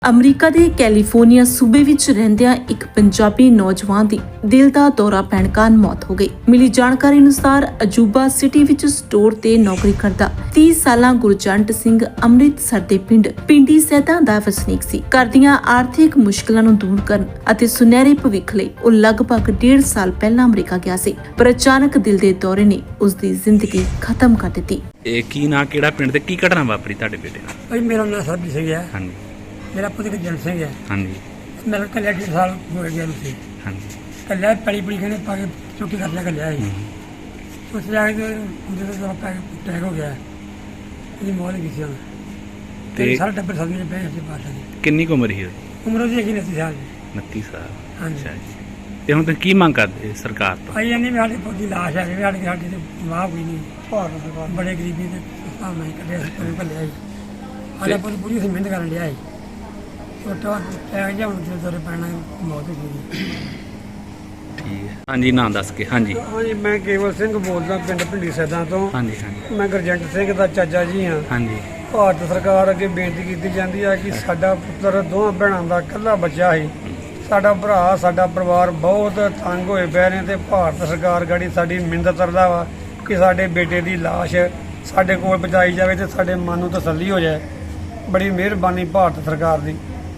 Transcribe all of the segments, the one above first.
America ਦੇ California ਸੂਬੇ ਵਿੱਚ ਰਹਿੰਦਿਆਂ ਇੱਕ ਪੰਜਾਬੀ ਨੌਜਵਾਨ ਦੀ ਦਿਲ ਦਾ ਦੌਰਾ ਪੈਣ ਕਾਰਨ ਮੌਤ ਹੋ ਗਈ। ਮਿਲੀ ਜਾਣਕਾਰੀ ਅਨੁਸਾਰ ਅਜੂਬਾ ਸਿਟੀ ਵਿੱਚ ਸਟੋਰ ਤੇ ਨੌਕਰੀ ਕਰਦਾ 30 ਸਾਲਾ ਗੁਰਜੰਟ ਸਿੰਘ ਅੰਮ੍ਰਿਤਸਰ ਦੇ ਪਿੰਡ ਪਿੰਡੀ ਸੈਦਾ ਦਾ ਵਸਨੀਕ ਸੀ। ਘਰ ਦੀਆਂ ਆਰਥਿਕ ਮੁਸ਼ਕਲਾਂ ਨੂੰ ਦੂਰ ਕਰਨ ਅਤੇ ਸੁਨਹਿਰੇ ਭਵਿੱਖ ਲਈ ਉਹ ਲਗਭਗ 1.5 ਸਾਲ ਪਹਿਲਾਂ ਅਮਰੀਕਾ ਗਿਆ ਸੀ, ਪਰ ਅਚਾਨਕ ਦਿਲ ਦੇ ਦੌਰੇ ਨੇ ਉਸ ਦੀ ਜ਼ਿੰਦਗੀ ਖਤਮ ਕਰ ਦਿੱਤੀ। ਇਹ ਕੀ ਨਾ ਕਿਹੜਾ ਪਿੰਡ ਤੇ ਕੀ ਘਟਨਾ ਵਾਪਰੀ ਤੁਹਾਡੇ ਬੇਟੇ ਨਾਲ? ਭਾਈ ਮੇਰਾ ਨਾਮ ਸਰਬਜੀਤ ਸਿੰਘ ਹੈ। ਹਾਂਜੀ ਮੇਰਾ ਪੁੱਤ ਗੁਰਜੰਟ ਸਿੰਘ ਹੈ। ਹਾਂਜੀ ਮੇਰਾ ਕੱਲਿਆ 1.5 ਸਾਲ ਹੋ ਗਿਆ ਸੀ। ਹਾਂਜੀ ਕੱਲਿਆ ਪੜੀ ਕਹਿੰਦੇ ਪਾ ਕੇ ਚੁੱਕੀ ਕਰ ਲਿਆ ਕੱਲਿਆ ਸੀ। ਉਸ ਜਾ ਕੇ ਜਦੋਂ ਦਾ ਅਟੈਕ ਹੋ ਗਿਆ, ਇਹਦੀ ਮੌਤ ਹੋ ਗਈ ਸੀ। ਤੇ ਸਾਰਾ ਟੱਬਰ ਸਦਮੇ ਪਏ ਸੀ ਬਾਅਦ ਵਿੱਚ। ਕਿੰਨੀ ਕੁ ਉਮਰ ਸੀ ਉਹਦੀ? ਉਮਰ ਉਹਦੀ ਹੈਗੀ 29 ਸਾਲ ਦੀ। 29 ਸਾਲ। ਹਾਂਜੀ। ਅੱਛਾ ਜੀ। ਤੇ ਹੁਣ ਤੁਸੀਂ ਕੀ ਮੰਗ ਕਰਦੇ ਸਰਕਾਰ ਤੋਂ? ਭਾਈ ਇਹਨੇ ਵੀ ਸਾਡੇ ਪੁੱਤ ਦੀ ਲਾਸ਼ ਹੈ, ਸਾਡੇ ਤੇ ਮਾਂ ਕੋਈ ਨਹੀਂ, ਬੜੇ ਗਰੀਬੀ ਦੇ ਹਿਸਾਬ ਨਾਲ ਕੱਢਿਆ ਸੀ, ਪਰ ਕੱਲਿਆ ਸੀ। ਸਾਡਾ ਪੁੱਤ ਪੂਰੀ ਅਸੀਂ ਮਿਹਨਤ ਕਰਨ ਲਿਆ ਸੀ। ਛੋਟਾ ਟੈਕ ਜਿਹਾ ਹੁਣ ਦੌਰੇ ਪੈਣਾ, ਮੌਤ ਹੋ ਗਈ। ਠੀਕ ਹੈ। ਹਾਂਜੀ ਨਾਂ ਦੱਸ ਕੇ। ਹਾਂਜੀ ਹਾਂਜੀ, ਮੈਂ ਕੇਵਲ ਸਿੰਘ ਬੋਲਦਾ, ਪਿੰਡ ਪਿੰਡੀ ਸੈਦਾਂ ਤੋਂ। ਹਾਂਜੀ ਹਾਂਜੀ ਮੈਂ ਗੁਰਜੰਟ ਸਿੰਘ ਦਾ ਚਾਚਾ ਜੀ ਹਾਂ। ਹਾਂਜੀ ਭਾਰਤ ਸਰਕਾਰ ਅੱਗੇ ਬੇਨਤੀ ਕੀਤੀ ਜਾਂਦੀ ਹੈ ਕਿ ਸਾਡਾ ਪੁੱਤਰ ਦੋਹਾਂ ਭੈਣਾਂ ਦਾ ਇਕੱਲਾ ਬੱਚਾ ਸੀ। ਸਾਡਾ ਭਰਾ, ਸਾਡਾ ਪਰਿਵਾਰ ਬਹੁਤ ਤੰਗ ਹੋਏ ਪਏ ਨੇ ਤੇ ਭਾਰਤ ਸਰਕਾਰ ਗਾੜੀ ਸਾਡੀ ਮਿੰਨਤ ਕਰਦਾ ਵਾ ਕਿ ਸਾਡੇ ਬੇਟੇ ਦੀ ਲਾਸ਼ ਸਾਡੇ ਕੋਲ ਪਹੁੰਚਾਈ ਜਾਵੇ ਤੇ ਸਾਡੇ ਮਨ ਨੂੰ ਤਸੱਲੀ ਹੋ ਜਾਏ। ਬੜੀ ਮਿਹਰਬਾਨੀ ਭਾਰਤ ਸਰਕਾਰ ਦੀ।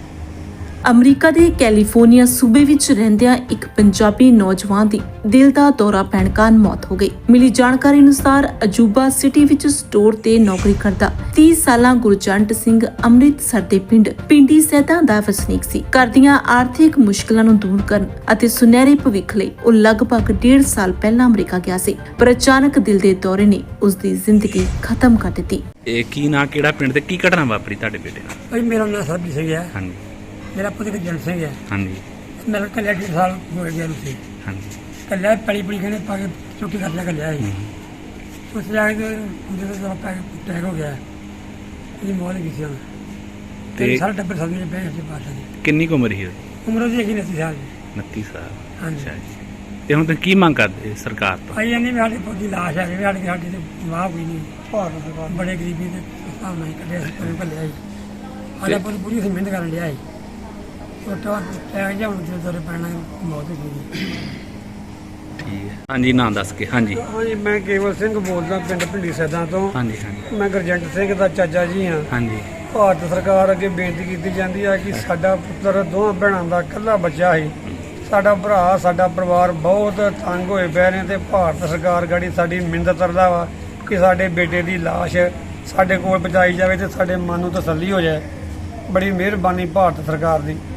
ਅਮਰੀਕਾ ਦੇ ਕੈਲੀਫੋਰਨੀਆ ਸੂਬੇ ਵਿੱਚ ਰਹਿੰਦਿਆਂ ਇੱਕ ਪੰਜਾਬੀ ਨੌਜਵਾਨ ਦੀ ਦਿਲ ਦਾ ਦੌਰਾ ਪੈਣ ਕਾਰਨ ਮੌਤ ਹੋ ਗਈ। ਮਿਲੀ ਜਾਣਕਾਰੀ ਅਨੁਸਾਰ ਅਜੂਬਾ ਸਿਟੀ ਵਿੱਚ ਸਟੋਰ ਤੇ ਨੌਕਰੀ ਕਰਦਾ 30 ਸਾਲਾ ਗੁਰਜੰਟ ਸਿੰਘ ਅੰਮ੍ਰਿਤਸਰ ਦੇ ਪਿੰਡ ਪਿੰਡੀ ਸੈਦਾ ਦਾ ਵਸਨੀਕ ਸੀ। ਘਰ ਦੀਆਂ ਆਰਥਿਕ ਮੁਸ਼ਕਲਾਂ ਨੂੰ ਦੂਰ ਕਰਨ ਅਤੇ ਸੁਨਹਿਰੇ ਭਵਿੱਖ ਲਈ ਉਹ ਲਗਭਗ 1.5 ਸਾਲ ਪਹਿਲਾਂ ਅਮਰੀਕਾ ਗਿਆ ਸੀ, ਪਰ ਅਚਾਨਕ ਦਿਲ ਦੇ ਦੌਰੇ ਨੇ ਉਸ ਦੀ ਜ਼ਿੰਦਗੀ ਖਤਮ ਕਰ ਦਿੱਤੀ। ਇਹ ਕੀ ਨਾ ਕਿਹੜਾ ਪਿੰਡ ਤੇ ਕੀ ਘਟਨਾ ਵਾਪਰੀ ਤੁਹਾਡੇ ਬੇਟੇ ਨਾਲ? ਭਾਈ ਮੇਰਾ ਨਾਮ ਸਰਬਜੀਤ ਸਿੰਘ ਹੈ। ਹਾਂਜੀ ਮੇਰਾ ਪੁੱਤ ਗੁਰਜੰਟ ਸਿੰਘ ਹੈ। ਹਾਂਜੀ ਮੇਰਾ ਕੱਲਿਆ 1.5 ਸਾਲ ਹੋ ਗਿਆ ਸੀ। ਹਾਂਜੀ ਕੱਲਿਆ ਪੜੀ ਕਹਿੰਦੇ ਪਾ ਕੇ ਚੁੱਕੀ ਕਰ ਲਿਆ ਕੱਲਿਆ ਸੀ। ਉਸ ਜਾ ਕੇ ਜਦੋਂ ਦਾ ਅਟੈਕ ਹੋ ਗਿਆ, ਇਹਦੀ ਮੌਤ ਹੋ ਗਈ ਸੀ। ਤੇ ਸਾਰਾ ਟੱਬਰ ਸਦਮੇ ਪਏ ਸੀ ਬਾਅਦ ਵਿੱਚ। ਕਿੰਨੀ ਕੁ ਉਮਰ ਸੀ ਉਹਦੀ? ਉਮਰ ਉਹਦੀ ਹੈਗੀ 29 ਸਾਲ ਦੀ। 29 ਸਾਲ। ਹਾਂਜੀ। ਅੱਛਾ ਜੀ। ਤੇ ਹੁਣ ਤੁਸੀਂ ਕੀ ਮੰਗ ਕਰਦੇ ਸਰਕਾਰ ਤੋਂ? ਭਾਈ ਇਹਨੇ ਵੀ ਸਾਡੇ ਪੁੱਤ ਦੀ ਲਾਸ਼ ਹੈ, ਸਾਡੇ ਤੇ ਮਾਂ ਕੋਈ ਨਹੀਂ, ਬੜੇ ਗਰੀਬੀ ਦੇ ਹਿਸਾਬ ਨਾਲ ਕੱਢਿਆ ਸੀ, ਪਰ ਕੱਲਿਆ ਸੀ। ਸਾਡਾ ਪੁੱਤ ਪੂਰੀ ਅਸੀਂ ਮਿਹਨਤ ਕਰਨ ਲਿਆ ਸੀ। ਛੋਟਾ ਟੈਕ ਜਿਹਾ ਹੁਣ ਦੌਰੇ ਪੈਣਾ, ਮੌਤ ਹੋ ਗਈ। ਠੀਕ ਹੈ। ਹਾਂਜੀ ਨਾਂ ਦੱਸ ਕੇ। ਹਾਂਜੀ ਹਾਂਜੀ, ਮੈਂ ਕੇਵਲ ਸਿੰਘ ਬੋਲਦਾ, ਪਿੰਡ ਪਿੰਡੀ ਸੈਦਾਂ ਤੋਂ। ਹਾਂਜੀ ਹਾਂਜੀ ਮੈਂ ਗੁਰਜੰਟ ਸਿੰਘ ਦਾ ਚਾਚਾ ਜੀ ਹਾਂ। ਹਾਂਜੀ ਭਾਰਤ ਸਰਕਾਰ ਅੱਗੇ ਬੇਨਤੀ ਕੀਤੀ ਜਾਂਦੀ ਹੈ ਕਿ ਸਾਡਾ ਪੁੱਤਰ ਦੋਹਾਂ ਭੈਣਾਂ ਦਾ ਇਕੱਲਾ ਬੱਚਾ ਸੀ। ਸਾਡਾ ਭਰਾ, ਸਾਡਾ ਪਰਿਵਾਰ ਬਹੁਤ ਤੰਗ ਹੋਏ ਪਏ ਨੇ ਤੇ ਭਾਰਤ ਸਰਕਾਰ ਗਾੜੀ ਸਾਡੀ ਮਿੰਨਤ ਕਰਦਾ ਵਾ ਕਿ ਸਾਡੇ ਬੇਟੇ ਦੀ ਲਾਸ਼ ਸਾਡੇ ਕੋਲ ਪਹੁੰਚਾਈ ਜਾਵੇ ਤੇ ਸਾਡੇ ਮਨ ਨੂੰ ਤਸੱਲੀ ਹੋ ਜਾਏ। ਬੜੀ ਮਿਹਰਬਾਨੀ ਭਾਰਤ ਸਰਕਾਰ ਦੀ।